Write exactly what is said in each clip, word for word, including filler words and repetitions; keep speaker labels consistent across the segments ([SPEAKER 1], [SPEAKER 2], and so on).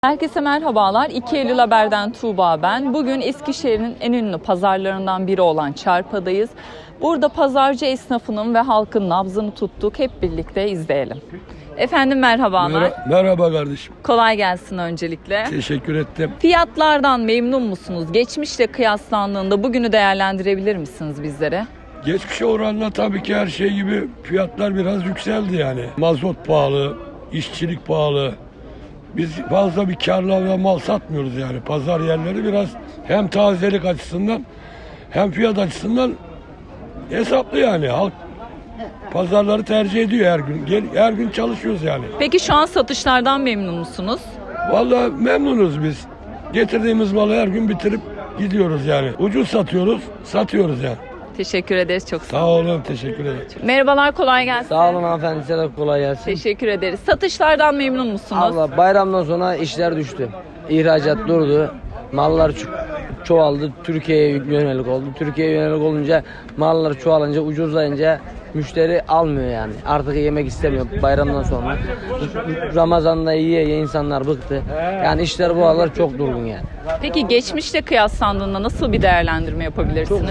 [SPEAKER 1] Herkese merhabalar. iki Eylül Haber'den Tuğba ben. Bugün Eskişehir'in en ünlü pazarlarından biri olan Çarpa'dayız. Burada pazarcı esnafının ve halkın nabzını tuttuk. Hep birlikte izleyelim. Efendim merhabalar.
[SPEAKER 2] Mer- Merhaba kardeşim.
[SPEAKER 1] Kolay gelsin öncelikle.
[SPEAKER 2] Teşekkür ettim.
[SPEAKER 1] Fiyatlardan memnun musunuz? Geçmişle kıyaslandığında bugünü değerlendirebilir misiniz bizlere?
[SPEAKER 2] Geçmişe oranla tabii ki her şey gibi fiyatlar biraz yükseldi yani. Mazot pahalı, işçilik pahalı. Biz fazla bir karla ve mal satmıyoruz yani. Pazar yerleri biraz hem tazelik açısından hem fiyat açısından hesaplı yani. Halk pazarları tercih ediyor her gün. Gel, her gün çalışıyoruz yani.
[SPEAKER 1] Peki şu an satışlardan memnun musunuz?
[SPEAKER 2] Vallahi memnunuz biz. Getirdiğimiz malı her gün bitirip gidiyoruz yani. Ucuz satıyoruz, satıyoruz yani.
[SPEAKER 1] Teşekkür ederiz. Çok sağ
[SPEAKER 2] Sağ olun, teşekkür ederim.
[SPEAKER 1] Merhabalar, kolay gelsin.
[SPEAKER 3] Sağ olun hanımefendi, size de kolay gelsin.
[SPEAKER 1] Teşekkür ederiz. Satışlardan memnun musunuz?
[SPEAKER 3] Abla bayramdan sonra işler düştü. İhracat durdu. Mallar ço- çoğaldı. Türkiye'ye yönelik oldu. Türkiye'ye yönelik olunca mallar çoğalınca, ucuzlayınca müşteri almıyor yani. Artık yemek istemiyor bayramdan sonra. Ramazan'da yiye yiye insanlar bıktı. Yani işler bu aralar çok durgun yani.
[SPEAKER 1] Peki geçmişle kıyaslandığında nasıl bir değerlendirme yapabilirsiniz?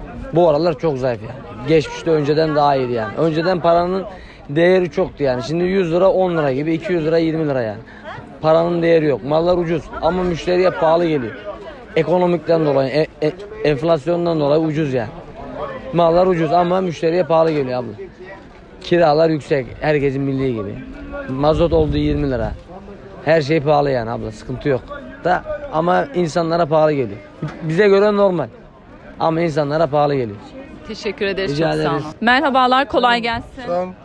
[SPEAKER 3] Bu aralar çok zayıf yani. Geçmişte önceden daha iyiydi yani. Önceden paranın değeri çoktu yani. Şimdi yüz lira on lira gibi, iki yüz lira yirmi lira yani. Paranın değeri yok. Mallar ucuz ama müşteriye pahalı geliyor. Ekonomikten dolayı, e, e, enflasyondan dolayı ucuz yani. Mallar ucuz ama müşteriye pahalı geliyor abla. Kiralar yüksek, herkesin bildiği gibi. Mazot oldu yirmi lira. Her şey pahalı yani abla, sıkıntı yok. Da ama insanlara pahalı geliyor. Bize göre normal. Ama insanlara pahalı geliyor.
[SPEAKER 1] Teşekkür ederiz.
[SPEAKER 3] Rica
[SPEAKER 1] Çok sağ olun.
[SPEAKER 3] ederiz.
[SPEAKER 1] Merhabalar, kolay gelsin.
[SPEAKER 4] Sağ ol.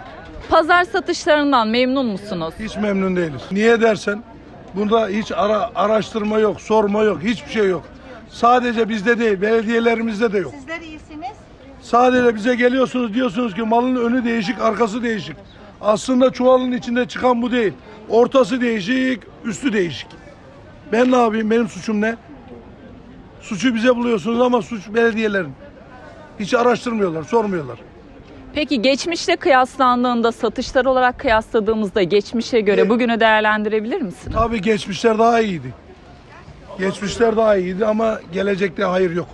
[SPEAKER 1] Pazar satışlarından memnun musunuz?
[SPEAKER 4] Hiç memnun değiliz. Niye dersen bunda hiç ara, araştırma yok, sorma yok, hiçbir şey yok. Sadece bizde değil, belediyelerimizde de yok.
[SPEAKER 5] Sizler iyisiniz.
[SPEAKER 4] Sadece bize geliyorsunuz, diyorsunuz ki malın önü değişik, arkası değişik. Aslında çuvalın içinde çıkan bu değil. Ortası değişik, üstü değişik. Ben ne yapayım, benim suçum ne? Suçu bize buluyorsunuz ama suç belediyelerin. Hiç araştırmıyorlar, sormuyorlar.
[SPEAKER 1] Peki geçmişle kıyaslandığında, satışlar olarak kıyasladığımızda geçmişe göre
[SPEAKER 4] Evet.
[SPEAKER 1] bugünü değerlendirebilir misiniz?
[SPEAKER 4] Tabii geçmişler daha iyiydi. Geçmişler daha iyiydi ama gelecekte hayır yok.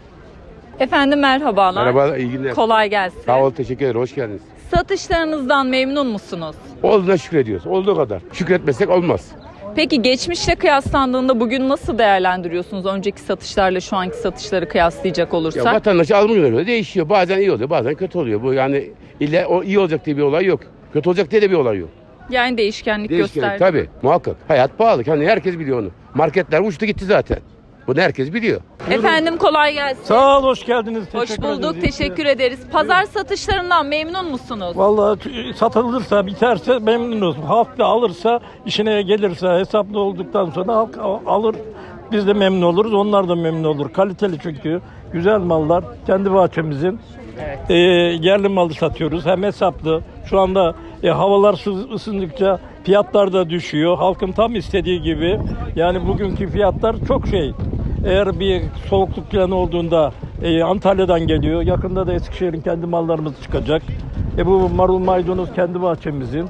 [SPEAKER 1] Efendim merhabalar.
[SPEAKER 6] Merhaba, iyi günler.
[SPEAKER 1] Kolay gelsin.
[SPEAKER 6] Sağ ol, teşekkür ederim. Hoş geldiniz.
[SPEAKER 1] Satışlarınızdan memnun musunuz?
[SPEAKER 6] Olduğuna şükrediyoruz. Olduğu kadar. Şükretmesek olmaz.
[SPEAKER 1] Peki geçmişle kıyaslandığında bugün nasıl değerlendiriyorsunuz? Önceki satışlarla şu anki satışları kıyaslayacak
[SPEAKER 6] Ya
[SPEAKER 1] olursak.
[SPEAKER 6] vatandaş alımı göre değişiyor. Bazen iyi oluyor, bazen kötü oluyor. Bu yani ille o iyi olacak diye bir olay yok. Kötü olacak diye de bir olay yok.
[SPEAKER 1] Yani değişkenlik,
[SPEAKER 6] Değişken
[SPEAKER 1] gösterdi.
[SPEAKER 6] tabii, muhakkak. Hayat pahalı. Hani herkes biliyor onu. Marketler uçtu gitti zaten. Bunu herkes biliyor.
[SPEAKER 1] Efendim kolay gelsin.
[SPEAKER 7] Sağ ol, hoş geldiniz.
[SPEAKER 1] Hoş
[SPEAKER 7] Teşekkür
[SPEAKER 1] bulduk,
[SPEAKER 7] ederiz.
[SPEAKER 1] teşekkür ederiz. Pazar satışlarından memnun musunuz?
[SPEAKER 7] Vallahi t- satılırsa, biterse memnunuz. Halk da alırsa, işine gelirse, hesaplı olduktan sonra halk al- alır. Biz de memnun oluruz, onlar da memnun olur. Kaliteli çünkü. Güzel mallar, kendi bahçemizin.
[SPEAKER 1] Evet.
[SPEAKER 7] Ee, yerli malı satıyoruz, hem hesaplı. Şu anda e, havalar sı- ısındıkça fiyatlar da düşüyor. Halkın tam istediği gibi. Yani bugünkü fiyatlar çok şey. Eğer bir soğukluk falan olduğunda e, Antalya'dan geliyor. Yakında da Eskişehir'in kendi mallarımız çıkacak. E, bu marul maydanoz kendi bahçemizin.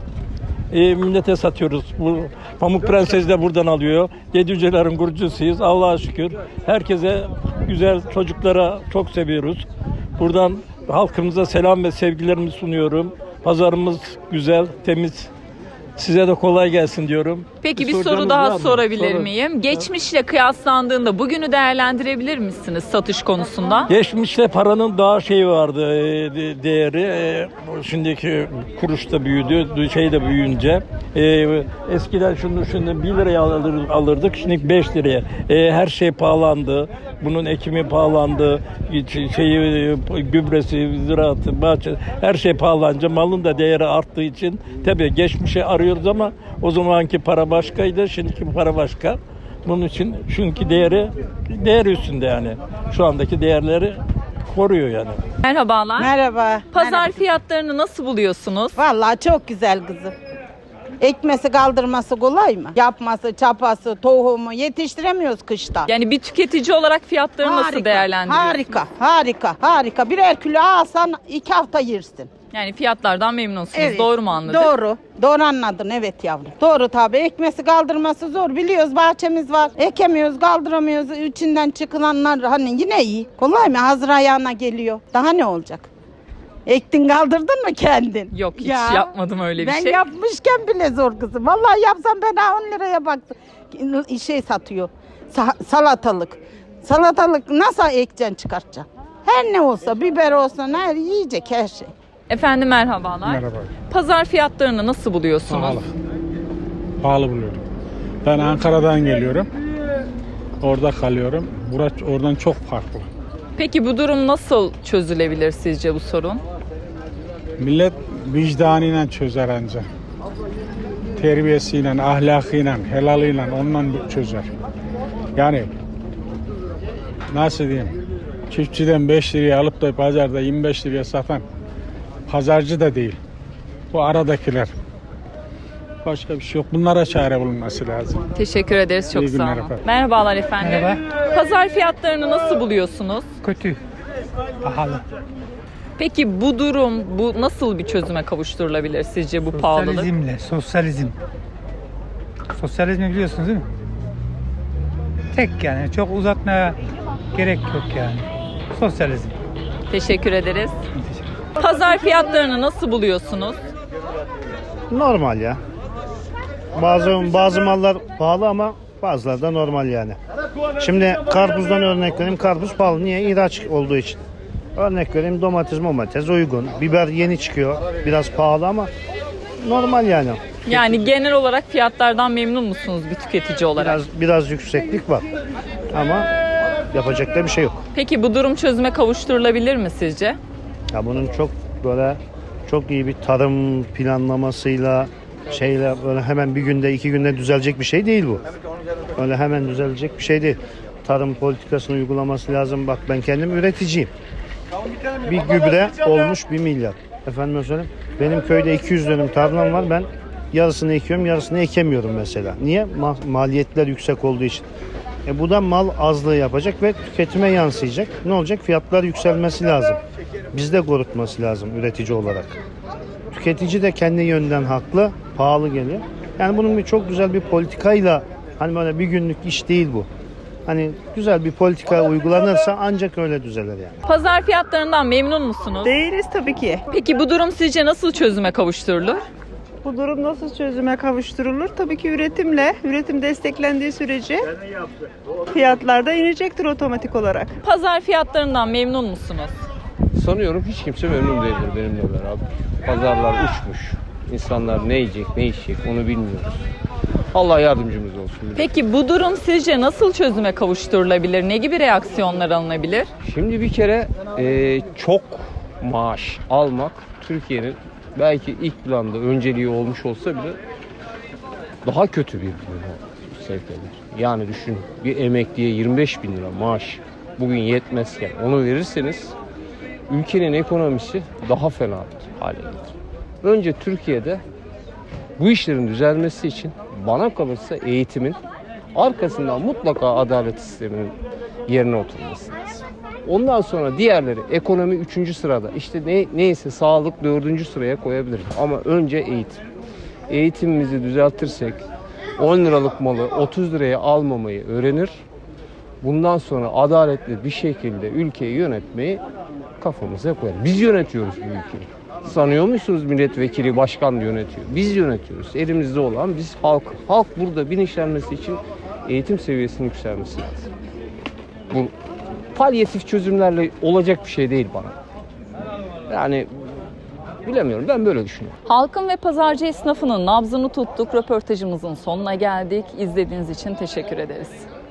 [SPEAKER 7] E, millete satıyoruz. Bu Pamuk Prenses de buradan alıyor. Yedücelerin kurucusuyuz. Allah'a şükür. Herkese güzel, çocuklara çok seviyoruz. Buradan halkımıza selam ve sevgilerimi sunuyorum. Pazarımız güzel, temiz. Size de kolay gelsin diyorum.
[SPEAKER 1] Peki bir
[SPEAKER 7] soracağınız
[SPEAKER 1] soru daha
[SPEAKER 7] var mı?
[SPEAKER 1] sorabilir
[SPEAKER 7] Sorun.
[SPEAKER 1] miyim? Geçmişle kıyaslandığında bugünü değerlendirebilir misiniz satış konusunda?
[SPEAKER 7] Geçmişte paranın daha şeyi vardı, e, de- değeri. E, şimdiki kuruş da büyüdü, şey de büyüyünce. E, eskiden şunu şunu bir liraya alır- alırdık, şimdi beş liraya. E, her şey pahalandı. Bunun ekimi pahalandı, şeyi, e, gübresi, ziraatı, bahçe, her şey pahalanınca malın da değeri arttığı için tabii geçmişe arıyoruz ama o zamanki para başkaydı, şimdiki para başka. Bunun için çünkü değeri değer üstünde yani. Şu andaki değerleri koruyor yani.
[SPEAKER 1] Merhabalar.
[SPEAKER 5] Merhaba.
[SPEAKER 1] Pazar
[SPEAKER 5] Merhaba.
[SPEAKER 1] fiyatlarını nasıl buluyorsunuz?
[SPEAKER 5] Vallahi çok güzel kızım. Ekmesi kaldırması kolay mı? Yapması, çapası, tohumu yetiştiremiyoruz kışta.
[SPEAKER 1] Yani bir tüketici olarak fiyatları nasıl değerlendiriyorsunuz?
[SPEAKER 5] Harika, harika, harika. Birer kilo alsan iki hafta yersin.
[SPEAKER 1] Yani fiyatlardan memnunsunuz.
[SPEAKER 5] Evet,
[SPEAKER 1] Doğru mu anladım?
[SPEAKER 5] Doğru. Doğru anladın evet yavrum. Doğru tabii. Ekmesi kaldırması zor. Biliyoruz bahçemiz var. Ekemiyoruz, kaldıramıyoruz. İçinden çıkılanlar hani yine iyi. Kolay mı? Hazır ayağına geliyor. Daha ne olacak? Ektin kaldırdın mı kendin?
[SPEAKER 1] Yok, hiç
[SPEAKER 5] Ya,
[SPEAKER 1] yapmadım öyle bir
[SPEAKER 5] ben
[SPEAKER 1] şey.
[SPEAKER 5] yapmışken bile zor kızım. Vallahi yapsam ben ha on liraya baktım. Şey satıyor. Sa- salatalık. Salatalık nasıl ekeceksin çıkartacaksın? Her ne olsa biber olsa her yiyecek her şey.
[SPEAKER 1] Efendim merhabalar.
[SPEAKER 8] Merhaba.
[SPEAKER 1] Pazar fiyatlarını nasıl buluyorsunuz?
[SPEAKER 8] Pahalı. Pahalı buluyorum. Ben Ankara'dan geliyorum. Orada kalıyorum. Burası oradan çok farklı.
[SPEAKER 1] Peki bu durum nasıl çözülebilir sizce bu sorun?
[SPEAKER 8] Millet vicdanıyla çözer anca. Terbiyesiyle, ahlakıyla, helalıyla ondan çözer. Yani nasıl diyeyim? Çiftçiden beş liraya alıp da pazarda yirmi beş liraya satan pazarcı da değil. Bu aradakiler. Başka bir şey yok. Bunlara çare bulunması lazım.
[SPEAKER 1] Teşekkür ederiz. Çok
[SPEAKER 8] İyi
[SPEAKER 1] sağ
[SPEAKER 8] günler
[SPEAKER 1] olun.
[SPEAKER 8] efendim.
[SPEAKER 1] Merhabalar efendim.
[SPEAKER 9] Merhaba.
[SPEAKER 1] Pazar fiyatlarını nasıl buluyorsunuz?
[SPEAKER 9] Kötü. Pahalı.
[SPEAKER 1] Peki bu durum, bu nasıl bir çözüme kavuşturulabilir sizce bu pahalılık?
[SPEAKER 9] Sosyalizmle, sosyalizm. Sosyalizmi biliyorsunuz değil mi? Tek yani. Çok uzatmaya gerek yok yani. Sosyalizm.
[SPEAKER 1] Teşekkür ederiz. Pazar fiyatlarını nasıl buluyorsunuz?
[SPEAKER 10] Normal ya. Bazı bazı mallar pahalı ama bazıları da normal yani. Şimdi karpuzdan örnek vereyim. Karpuz pahalı. Niye? İhraç olduğu için. Örnek vereyim domates, domates uygun. Biber yeni çıkıyor. Biraz pahalı ama normal yani.
[SPEAKER 1] Yani genel olarak fiyatlardan memnun musunuz bir tüketici olarak?
[SPEAKER 10] Biraz biraz yükseklik var. Ama yapacak da bir şey yok.
[SPEAKER 1] Peki bu durum çözüme kavuşturulabilir mi sizce?
[SPEAKER 10] Ya bunun çok böyle çok iyi bir tarım planlamasıyla şeyle böyle hemen bir günde iki günde düzelecek bir şey değil bu. Öyle hemen düzelecek bir şey değil. Tarım politikasını uygulaması lazım. Bak ben kendim üreticiyim. Bir gübre olmuş bir milyar. Efendim söyleyeyim. Benim köyde iki yüz dönüm tarlam var. Ben yarısını ekiyorum, yarısını ekemiyorum mesela. Niye? Ma- maliyetler yüksek olduğu için. E bu da mal azlığı yapacak ve tüketime yansıyacak. Ne olacak? Fiyatlar yükselmesi lazım. Bizde korutması lazım üretici olarak. Tüketici de kendi yönden haklı, pahalı geliyor. Yani bunun bir çok güzel bir politikayla, hani böyle bir günlük iş değil bu. Hani güzel bir politika uygulanırsa ancak öyle düzelir yani.
[SPEAKER 1] Pazar fiyatlarından memnun musunuz?
[SPEAKER 11] Değiliz tabii ki.
[SPEAKER 1] Peki bu durum sizce nasıl çözüme kavuşturulur?
[SPEAKER 11] Bu durum nasıl çözüme kavuşturulur? Tabii ki üretimle, üretim desteklendiği sürece fiyatlar da inecektir otomatik olarak.
[SPEAKER 1] Pazar fiyatlarından memnun musunuz?
[SPEAKER 12] Sanıyorum hiç kimse memnun değildir benimle beraber. Pazarlar uçmuş. İnsanlar ne yiyecek, ne içecek onu bilmiyoruz. Allah yardımcımız olsun.
[SPEAKER 1] Peki bu durum sizce nasıl çözüme kavuşturulabilir? Ne gibi reaksiyonlar alınabilir?
[SPEAKER 12] Şimdi bir kere e, çok maaş almak Türkiye'nin belki ilk planda önceliği olmuş olsa bile daha kötü bir sevk eder. Yani düşün bir emekliye yirmi beş bin lira maaş bugün yetmezken onu verirseniz ülkenin ekonomisi daha fena hale gelir. Önce Türkiye'de bu işlerin düzelmesi için bana kalırsa eğitimin arkasından mutlaka adalet sisteminin yerine oturması lazım. Ondan sonra diğerleri ekonomi üçüncü sırada işte ne, neyse sağlık dördüncü sıraya koyabiliriz. Ama önce eğitim. Eğitimimizi düzeltirsek on liralık malı otuz liraya almamayı öğrenir. Bundan sonra adaletli bir şekilde ülkeyi yönetmeyi kafamıza koyar. Biz yönetiyoruz bu ülkeyi. Sanıyor musunuz milletvekili, başkan yönetiyor? Biz yönetiyoruz. Elimizde olan biz halk. Halk burada bilinçlenmesi için eğitim seviyesinin yükselmesi lazım. Bu palyatif çözümlerle olacak bir şey değil bana. Yani bilemiyorum. Ben böyle düşünüyorum.
[SPEAKER 1] Halkın ve pazarcı esnafının nabzını tuttuk. Röportajımızın sonuna geldik. İzlediğiniz için teşekkür ederiz.